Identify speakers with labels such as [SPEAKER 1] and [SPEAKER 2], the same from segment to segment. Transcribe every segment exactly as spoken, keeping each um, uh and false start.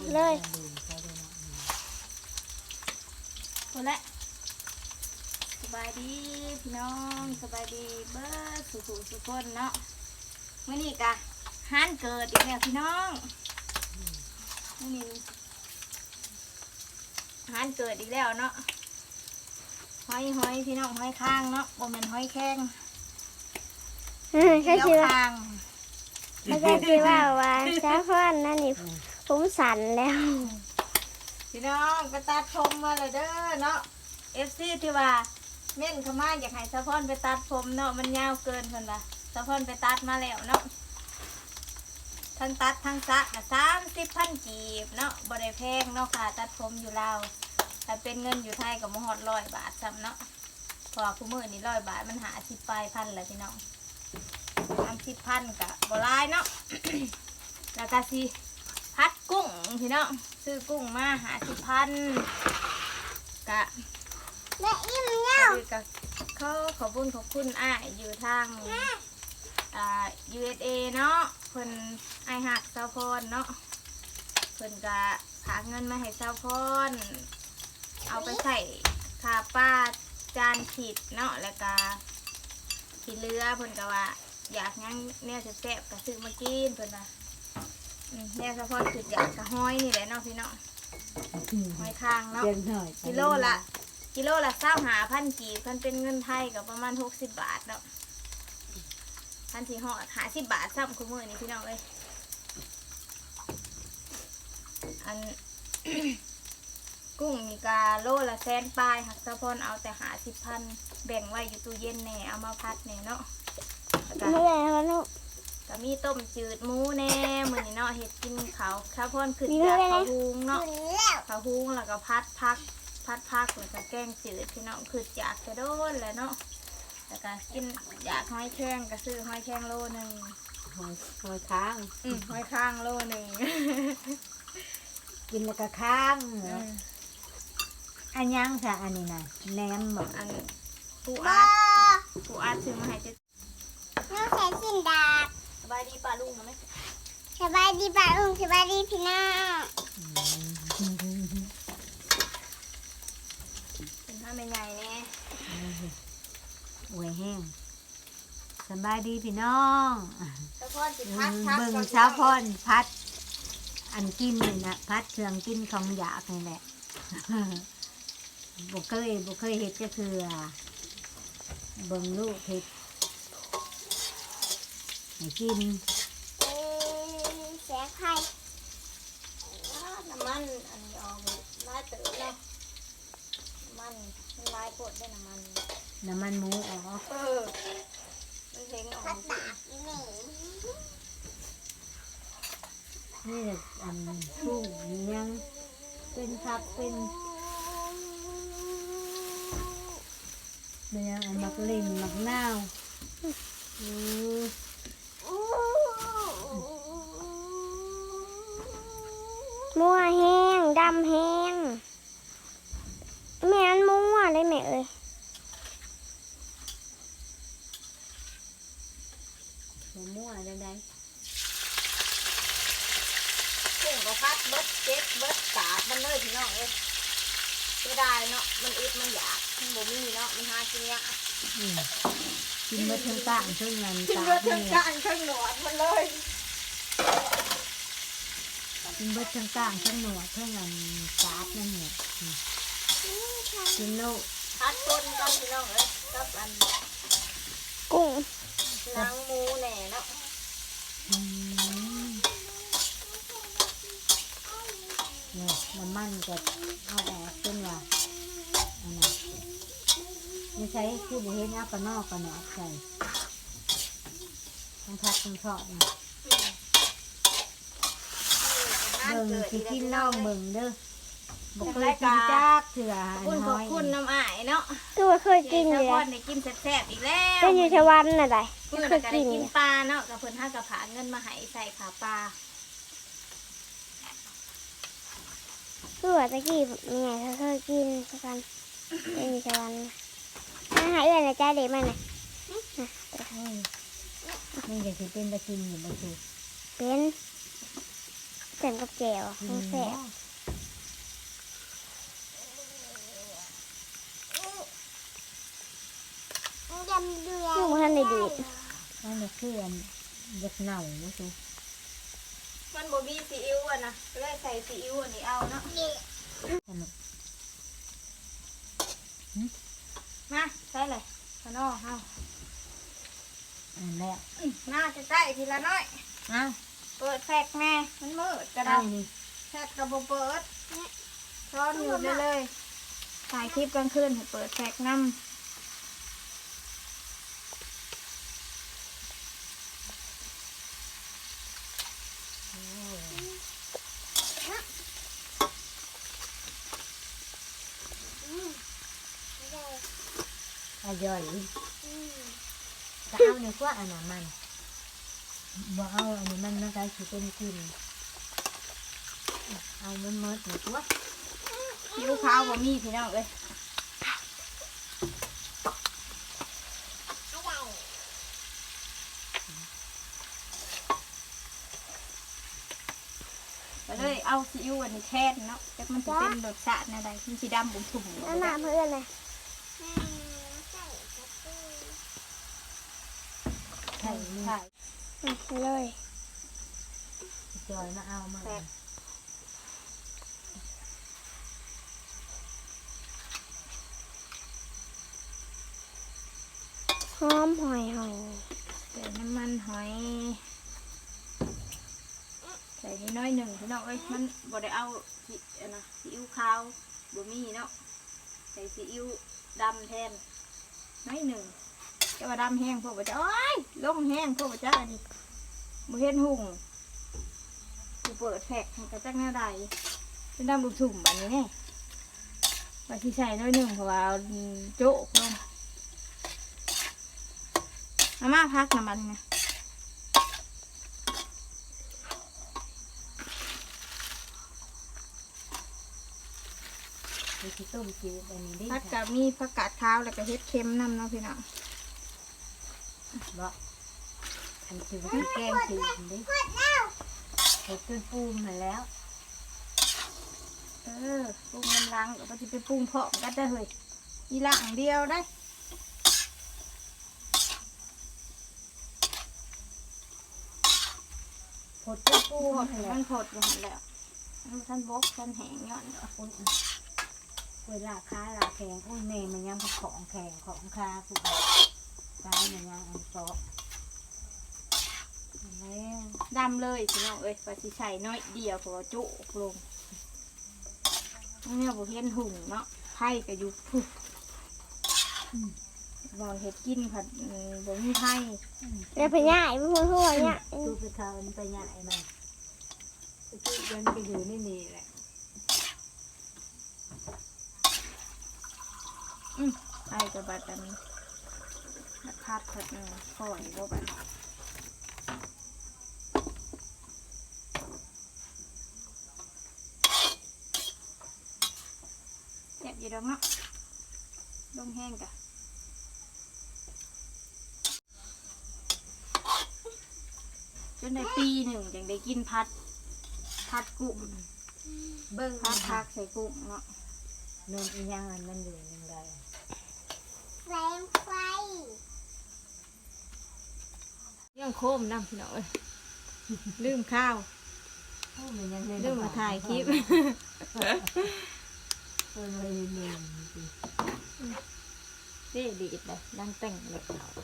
[SPEAKER 1] เลยคนละสบายดีพี่น้องสบายดีเบิร์ดสุขุสุขคนเนาะเมื่อนี้กะฮันเกิดอีกแล้วพี่น้องเมื่อนี้ฮันเกิดอีกแล้วเนาะหอยหอยพี่น้องหอยข้างเนาะโมเมนหอยแข้ง
[SPEAKER 2] ใช่ชื่อ
[SPEAKER 1] ข้าง
[SPEAKER 2] ไม่ใช่ชื่อว่าว่าซาฟอนนั่นนี่ผมสั่นแล้ว
[SPEAKER 1] พี่น้องไปตัดผมมาเลยเด้อเนาะเอฟซีที่ว่าเม่นเขามาอยากให้สะพอนไปตัดผมเนาะมันยาวเกินคนละสะพอนไปตัดมาแล้วเนาะทั้งตัดทั้งซักนะสามสิบพันกีบเนาะบริแพงเนาะค่ะตัดผมอยู่ลาวแต่เป็นเงินอยู่ไทยกับมหอดร้อยบาทซ้ำเนาะพอคู่มือนี่ร้อยบาทมันหาสิบปลายพันแหละพี่น้องสามสิบพันกับบรายเนาะ แล้วก็สิพัดกุ้งพี่น้องซื้อกุ้งมาหาสิบพันกะ
[SPEAKER 2] แม่อิ่มเนี่ย
[SPEAKER 1] คือกับเขาขอบคุณขอบคุณอ้ายอยู่ทางอ่า ยู เอส เอ เนาะเพิ่นไอายหักเซาพรเนาะเพิ่นก็หาเงินมาให้เซาพรเอาไปใส่ค่าป้าจานผิดเนาะแล้วก็ผิดเรือเพิ่นก็ว่าอยากงั้นเนี่ยแซ่บๆก็ซื้อมากินเพิ่นว่าเนี่ยเซาพรคืออยากกระห้อยนี่แหละเนาะพี่เนาะห้อยข้างเนาะกิโลละกิโลละเศร้าหาพันกีบพันเป็นเงินไทยกับประมาณหกสิบบาทเนาะพันสี่ห่อหาสิบบาทซ้ำคุณมือนี่พี่น้องเลยอัน กุ้งมีกาโลละแสนปลายหักสะพอนเอาแต่หาสิบพันแบ่งไว้อยู่ตู้เย็นแน่เอามาพัดแน่เนาะแล้วก็
[SPEAKER 2] ไม่ได้แล้วลูก
[SPEAKER 1] ก็มีต้มจืดหมูแน่มือนี่เนาะเห็ดกินเขาสะพอนขึ้นจากเขาหุงเนาะเขาหุงแล้วก็พัดพักพัดพักแล้วก็แกงจืดพี่น้องคืออยากจะโดนแหล้วเนาะแล้วก็กินอยากห้อยแข้งก็ซื้อห้อยแข้งโลหนึ่ง
[SPEAKER 3] หอยหอยค้าง
[SPEAKER 1] อืมห้อยข้างโลหนึ่ง
[SPEAKER 3] กินแล้วก็ค้างอันยังค่ะอันนี้นะแหนมบอก
[SPEAKER 1] อันปูอัดปูอัดซื้อมาให้เจ๊
[SPEAKER 2] น้องแขนสินดาบ
[SPEAKER 1] สบายดีป้าลุงไหม
[SPEAKER 2] สบายดีป่ะลุงสบายดีพี่น้อง
[SPEAKER 1] เป็นท่าไม่ใหญ่แน่
[SPEAKER 3] อวยแห้งสบายดีพี่น้อง
[SPEAKER 1] สะพอนสิพัดพัก
[SPEAKER 3] เบิ่ง
[SPEAKER 1] ก่อน
[SPEAKER 3] เช้าพอนพัด อันกินนี่นะพัดเครื่องกินของอยากนี่แหละ บุเคยบุเคยเห็ดก็คือเบิ่งลูกเห็ดให้กิน
[SPEAKER 2] เอ้ยเสียใคร
[SPEAKER 1] น้ำมันอันนี้ออกลายเต๋อเนาะน้ำมันมันลายปดได้น้ำมัน
[SPEAKER 3] น้ำมันหมูออก
[SPEAKER 1] เออมันเพ่งออก
[SPEAKER 2] พัดดาบนี่
[SPEAKER 3] นี่แหละอันกุ้งยังเป็นผักเป็นเป็นยังอันมักเล่นมักนาวอือ
[SPEAKER 2] มั่วแห้งดำแห้งแม่มันมั่วเลยแม่เอ้ย
[SPEAKER 3] หัวมั่วจังได
[SPEAKER 1] กุ้งก็พัดเบิดเจ็ดเบิดกาบมันเลยพี่น้องเอ้ยไม่ได้เนาะมันอึดมันอยากมันบ่มีเนาะมันหากินยาก
[SPEAKER 3] อืมกินเบิดทั้งต่างทั้งเงิน
[SPEAKER 1] กิน
[SPEAKER 3] ตา
[SPEAKER 1] เบิด
[SPEAKER 3] นี่
[SPEAKER 1] ทั้ง
[SPEAKER 3] แห
[SPEAKER 1] กา
[SPEAKER 3] ละ
[SPEAKER 1] รทั้งหนวดมันเลย
[SPEAKER 3] กินเบิดทั้งต่างทั้งหนวดทั้งเงินตาดนั่นเนี่ยอืมกินลูก
[SPEAKER 1] พัดต้นกันพี่น้องเอ้ยกับอัน
[SPEAKER 2] กุ้ง
[SPEAKER 1] นางหมูแหน่เนาะ
[SPEAKER 3] อืมเนี่ยน้ำมันก็เอาออกเป็นว่าอันนั้นไม่ใช่คือบุเห็นเอาปะนอกปะหนอกใส่ทั้งพัดทั้งทอดนี่เบิ่งสิกินน้องเบิ่งเด้อบอกเคยกินจักเถื่อ
[SPEAKER 1] ขอบคุณข
[SPEAKER 3] น้
[SPEAKER 1] อบ
[SPEAKER 3] อย
[SPEAKER 1] คุณน้ำอ้ายเนาะ
[SPEAKER 2] คือว่าเคยกินอยู่
[SPEAKER 1] เจ้าพ่อ
[SPEAKER 2] แล้ว
[SPEAKER 1] ได้กินแซ่บๆอีกแล้ว
[SPEAKER 2] เป็นอยู่ชวันน่ะได้
[SPEAKER 1] เพื่อน
[SPEAKER 2] เคย
[SPEAKER 1] ก็
[SPEAKER 2] กิ
[SPEAKER 1] ได้
[SPEAKER 2] นอ
[SPEAKER 1] กิน
[SPEAKER 2] ยู่
[SPEAKER 1] ปลาเนาะกับเพิ่นห้ากระผาเงินมาให้ใส่ขาปลา
[SPEAKER 2] คือว่าตะกี้มีไงเขาเคยกินสักวันเป็นอยู่ชวันอาหารเอื่อนนะจ้าเด็กมันน่ะ
[SPEAKER 3] นี่จะสิเป็นตะกินอยู่บ่ถูก
[SPEAKER 2] เป็นจส่กับแจ่วมันแซ่บลูกท่านได้ดีด
[SPEAKER 3] นั่นแหละคืออันเด็กเหน่าไม่ใช่
[SPEAKER 1] มันบ่มีซีอิ๊วอ่ะนะก็เลยใส่ซีอิ๊วอันนี้เอาเนาะ
[SPEAKER 3] สนุก
[SPEAKER 1] มาใส่เลยขนอเฮา
[SPEAKER 3] อันแล้ว
[SPEAKER 1] อื้อน่าจะใส่ทีละน้อย
[SPEAKER 3] อ้าว
[SPEAKER 1] เปิดแฟกแม่มันมืดกระ
[SPEAKER 3] เอา
[SPEAKER 1] ดาษ
[SPEAKER 3] นี่
[SPEAKER 1] แฟกกระบอกเปิดช้อนอยู่ได้เลยถ่ายคลิปกลางคืนให้เปิดแฟกน้ำ
[SPEAKER 3] อร่อยก็เอาในกว่าอันนั้นมันบ่เอาอันนี้มันมันก็สิเป็นกินเอามันเมิดในกว่า
[SPEAKER 1] ซีอิ๊วขาวบ่มีพี่น้องเอ้ยก็เลยเอาซีอิ๊วอันนี้แทนเนาะแต่มันจะเป็นรสชาติอะไรมันสีดำบุ๋มถุ่ม
[SPEAKER 2] น้ำหนาเพื่อนเลย
[SPEAKER 3] ใช่นี่
[SPEAKER 1] ใช่
[SPEAKER 2] อืมเลย
[SPEAKER 3] จอยมาเอามา
[SPEAKER 2] หอมหอยหอย
[SPEAKER 1] ใส่น้ำมันหอยใส่นิดน้อยหนึ่งพี่น้องเอ้ยมันบ่ได้เอาซีอันนะซีอิ๊วขาวบ่มีเนาะใส่ซีอิ๊วดำแทนน้อยหนึ่งจะว่าดำแห้งพวกบ่จะโอ้ยลงแห้งพวกบ่จะอันนี้บ่เห็นหุ่งกูเปิดแฟกให้กระจักหน้าใดเป็นดำลูกถุ่มอันนี้แน่ว่าสิใส่น้อยหนึ่งเพราะว่าเอาโจ๊กลงมาม่าพักน้ำมันไง
[SPEAKER 3] ไปที่ต้มจืดอันนี้ได้
[SPEAKER 1] พัก
[SPEAKER 3] ค่ะ
[SPEAKER 1] กับมีผักกาดขาวแล้วก็เฮ็ดเค็มน้ำเนาะพี่น้อง
[SPEAKER 3] บ่อันคือว่าแกงจืดดิเห็ดจนปูมาแล้ว
[SPEAKER 1] เออปรุงมันล้างแล้วก็จะไปปรุงเพาะกันได้เลยมีล้างเดียวได้
[SPEAKER 3] หดจนปู
[SPEAKER 1] ปูห
[SPEAKER 3] มา
[SPEAKER 1] ด
[SPEAKER 3] แล้ว
[SPEAKER 1] มันหดอยู่หั่นแล้วท่านบกท่านแหงย้อนเด้อ
[SPEAKER 3] อุ้ยเวลาค้าลาแข็งอุ้ยแม่มันยังของแข็งของคาสุดค้ามันยังอันโตแล้ว
[SPEAKER 1] ดำเลยพี่น้องเอ้ยว่าสิใส่น้อยเดียวเพราะว่าจุกลงเนี่ยบ่เห็นหุ่งเนาะไผ่ก็อยู่พุบบ่เฮ็ดกินผัดอืมบ่มีไผ่
[SPEAKER 2] เดี๋ยวไปย่ายไม่พูดพูดเนี่ย
[SPEAKER 3] ดูไปเขาไปใหญ่มันจุดยันไปอยู่นี่นี่แหละ
[SPEAKER 1] ไผ่ก็บัดอันบัดพัดผัดเนาะค่อยบ่บัดเจ็บอยู่ดอกเนาะลงแห้งกะจนได้ปีหนึ่งจังได้กินพัด พัดกุ้ง
[SPEAKER 3] เบิ้ง
[SPEAKER 1] พัดพักใส่กุ้งเนาะ
[SPEAKER 3] นนอีหยังอันมันอยู่ยังไง
[SPEAKER 2] แสงไฟ
[SPEAKER 1] ยังโคมน้ำพี่น้องเอ้ยลืมข้าว
[SPEAKER 3] โอ้มันยัง
[SPEAKER 1] ลืมมาถ่ายคลิป
[SPEAKER 3] เออเลยเนียนจริง
[SPEAKER 1] เด็ดีดเลยดังแต่งเลย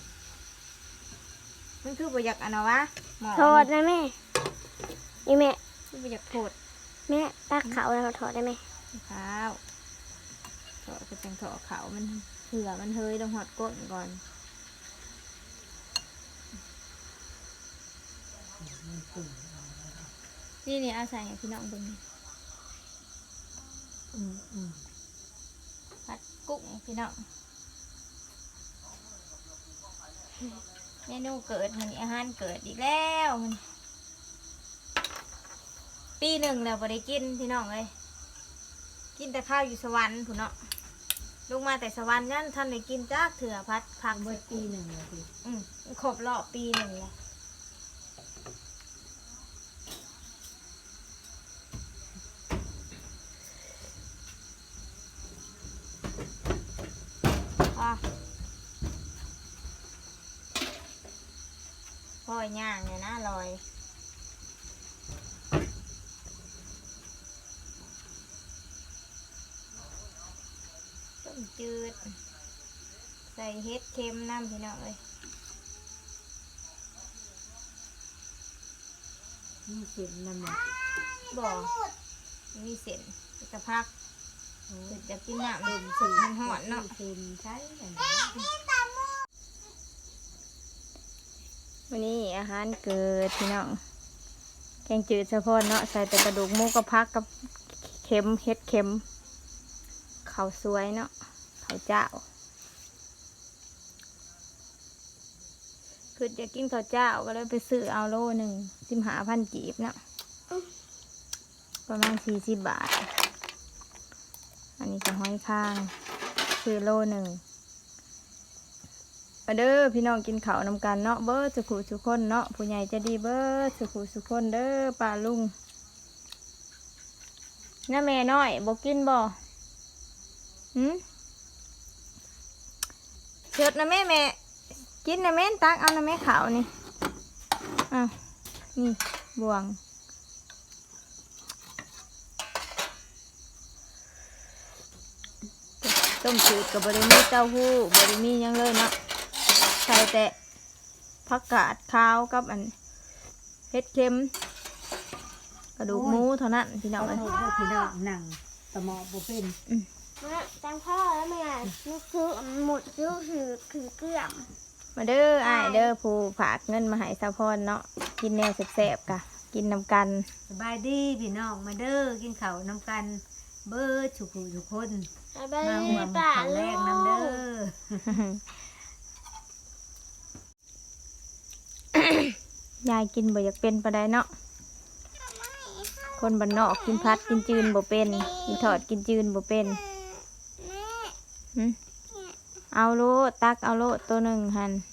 [SPEAKER 1] มันคือประหยัดอันนะวะหมอ
[SPEAKER 2] โทษนะแม่นี่แม่
[SPEAKER 1] คือประหยัดโทษ
[SPEAKER 2] แม่ตักเขาแล้วถอดได้ไหม
[SPEAKER 1] ข้าวเถาะกระจังเถาะเขามันเผื่อมันเฮยต้องหอดก้นก่อนนี่นี่เอาใส่ให้พี่น้องเบิ่งนี่
[SPEAKER 3] อืมอืม
[SPEAKER 1] ผัดกุ้งพี่น้องเมนูเกิดมันอาหารเกิดอีกแล้วมันปีหนึ่งแล้วบ่ได้กินพี่น้องเลยกินแต่ข้าวอยู่สวรรค์ผู้เนาะลงมาแต่สวรรค์นั่นท่านได้กินจากเถื่อพัดผัก
[SPEAKER 3] เมื่
[SPEAKER 1] เบิ
[SPEAKER 3] อ
[SPEAKER 1] ด
[SPEAKER 3] ปีหนึ่งเลยพี่
[SPEAKER 1] อืมครบรอบปีหนึ่งเลยอยย่างเนี่ยนะลอยต้มจืดใส่เห็ดเค็มน้ำพี่น้องเลย
[SPEAKER 3] นี่เสร็จแล้วหมด
[SPEAKER 1] บ่มีเส้นจะพักเพิ่นจะกินน้ำดื่มสุดมันหอนเนาะ
[SPEAKER 3] เซ็นใช้กัน
[SPEAKER 1] วันนี้อาหารเกิดพี่น้องแกงจืดสะพอนเนาะใส่แต่กระดูกหมูกับพักกับเค็มเห็ดเค็มข้าวสวยเนาะข้าวเจ้าคือจะกินข้าวเจ้าก็เลยไปซื้อเอาโลหนึ่งสิบห้าพันกีบเนาะประมาณสี่สิบบาทอันนี้ก็ห้อยข้างซื้อโลหนึ่งมาเด้อพี่น้องกินข้าวนำกันเนาะเบิร์สุขุสุคนเนาะผู้ใหญ่จะดีเบิร์สุขุสุคนเด้อป้าลุงน้าแม่น้อยบอกกินบ่หืมเชิดนะแม่แม่กินนะแม่ตักเอานะแม่ขาวนี่อ่ะนี่บวงต้มจืดกับบริมีเต้าหู้บริมีหยังเลยเนาะใส่แต่ผักกาดขาวกับอันเห็ดเค็มกระดูกหมูเท่านั้นพี่น้อง
[SPEAKER 3] เอา
[SPEAKER 1] เลย
[SPEAKER 3] โทษพี่น้องหนังสมองบุเป็น
[SPEAKER 2] จังพ่อแล้วแม่นึกซื้อหมดซื้อคือคือเกลือม
[SPEAKER 1] มาเด้ออ้ายเด้อผู้ฝากเงินมาให้สะพอนเนาะกินแนวแซ่บๆกะกินนำกัน
[SPEAKER 3] สบายดีพี่น้องมาเด้อกินข้าวน้ำกันเบิร์ทุกผู้ทุกคน
[SPEAKER 2] ไป
[SPEAKER 3] มาห่วง
[SPEAKER 2] ป่า
[SPEAKER 3] ข้าวแร
[SPEAKER 2] ลู
[SPEAKER 3] กน้ำเด้อ
[SPEAKER 1] ยายกินบ่อยากเป็นปะไดเนาะคนบ้านนอกกินพัดกินจืนบ่เป็นกินทอดกินจืนบ่เป็นหึเอาโลดตักเอาโลดตัวหนึ่งหัน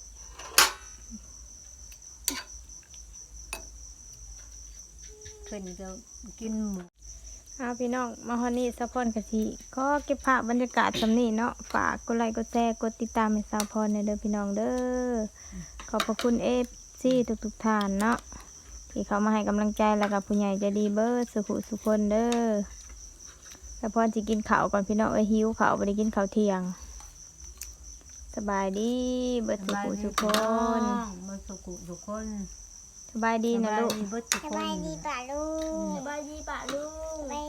[SPEAKER 3] เพิ่นก็กินหมู
[SPEAKER 1] เอาพี่น้องมาฮอนนี่สะพอนกะทิก็เก็บภาพบรรยากาศสำนี้เนาะฝากกดไลค์กดแชร์กดติดตามให้สาวพรในเด้อพี่น้องเด้อขอบพระคุณเอฟซีทุกๆท่านเนาะที่เขามาให้กำลังใจแล้วกับผู้ใหญ่ใจดีเบิร์ดสุขุสุคนเด้อสะพอนจะกินข้าวก่อนพี่น้องเอ้ยหิวข้าวบ่ได้กินข้าวเที่ยงสบายดีเบิร์ดสุขุสุคน
[SPEAKER 3] เบิร์สุขุทุกคน
[SPEAKER 1] สบายดีนะลูก
[SPEAKER 3] เบิร์ทุก
[SPEAKER 2] ส
[SPEAKER 3] คน
[SPEAKER 2] บายดีป่าลูก
[SPEAKER 1] สบายดีป่ะลูก
[SPEAKER 2] สบาย